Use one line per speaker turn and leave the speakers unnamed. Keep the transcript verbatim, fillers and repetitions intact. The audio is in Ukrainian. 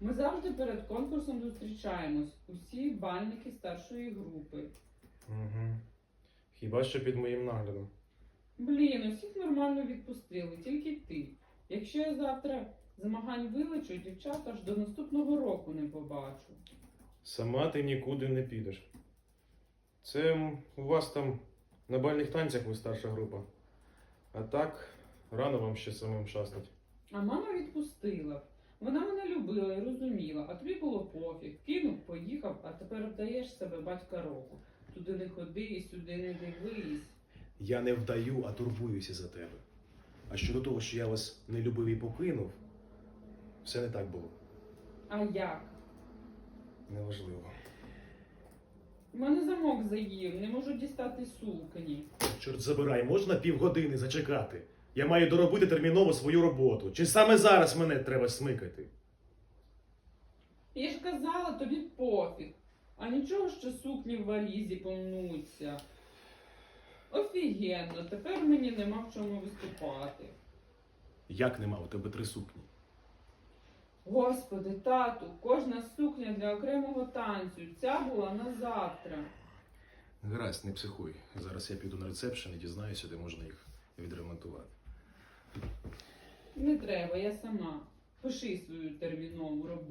Ми завжди перед конкурсом зустрічаємось. Усі бальники старшої групи.
Угу. Хіба що під моїм наглядом.
Блін, усіх нормально відпустили, тільки ти. Якщо я завтра змагань вилечу, дівчат аж до наступного року не побачу.
Сама ти нікуди не підеш. Це м, у вас там на бальних танцях ви старша група. А так, рано вам ще самим шастать.
А мама відпустила. Вона мене любила і розуміла, а тобі було пофіг. Кинув, поїхав, а тепер вдаєш себе батька року. Туди не ходи і сюди не дивись.
Я не вдаю, а турбуюся за тебе. А щодо того, що я вас не любив і покинув, все не так було.
А як?
Неважливо.
У мене замок заїв, не можу дістати сукні.
Чорт забирай, можна півгодини зачекати? Я маю доробити терміново свою роботу. Чи саме зараз мене треба смикати?
Я ж казала, тобі пофіг. А нічого, що сукні в валізі помнуться. Офігенно, тепер мені нема в чому виступати.
Як нема у тебе три сукні?
Господи, тату, кожна сукня для окремого танцю. Ця була на завтра.
Гаразд, не психуй. Зараз я піду на ресепшн і дізнаюся, де можна їх відремонтувати.
Не треба, я сама. Пиши свою термінову роботу.